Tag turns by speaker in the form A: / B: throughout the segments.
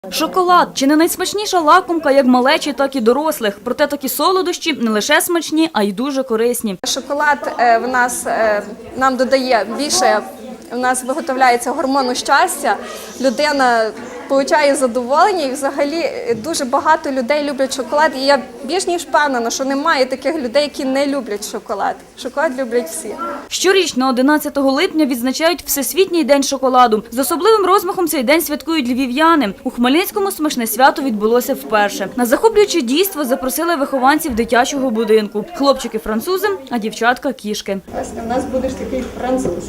A: Шоколад – чи не найсмачніша лакомка як малечі, так і дорослих. Проте такі солодощі не лише смачні, а й дуже корисні.
B: Шоколад нам додає більше, у нас виготовляється гормону щастя, людина отримує задоволення і взагалі дуже багато людей люблять шоколад. І я більш ніж впевнена, що немає таких людей, які не люблять шоколад. Шоколад люблять всі.
A: Щорічно 11 липня відзначають Всесвітній день шоколаду. З особливим розмахом цей день святкують львів'яни. У Хмельницькому смачне свято відбулося вперше. На захоплююче дійство запросили вихованців дитячого будинку. Хлопчики – французи, а дівчатка – кішки.
B: У нас будеш такий француз.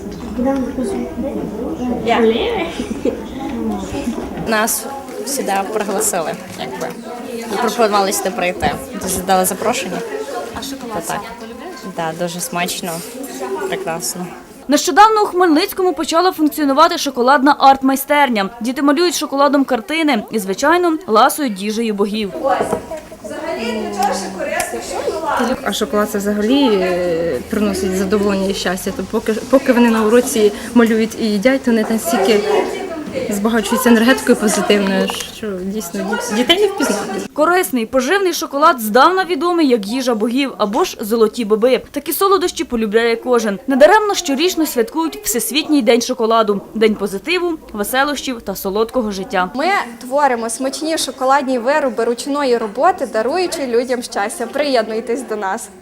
C: Нас сюди пригласили, якби. Пропонували сюди прийти. Дали запрошення.
A: А шоколад
C: так. Так, дуже смачно, прекрасно.
A: Нещодавно у Хмельницькому почала функціонувати шоколадна арт-майстерня. Діти малюють шоколадом картини і, звичайно, ласують їжею богів.
B: Взагалі нічого ще корисного шоколад.
D: А шоколад це взагалі приносить задоволення і щастя. То поки вони на уроці малюють і їдять, то вони настільки збагачуються енергетикою позитивною, що дійсно дітей не впізнати.
A: Корисний, поживний шоколад здавна відомий як їжа богів або ж золоті боби. Такі солодощі полюбляє кожен. Недаремно щорічно святкують Всесвітній день шоколаду – день позитиву, веселощів та солодкого життя.
B: Ми творимо смачні шоколадні вироби ручної роботи, даруючи людям щастя. Приєднуйтесь до нас.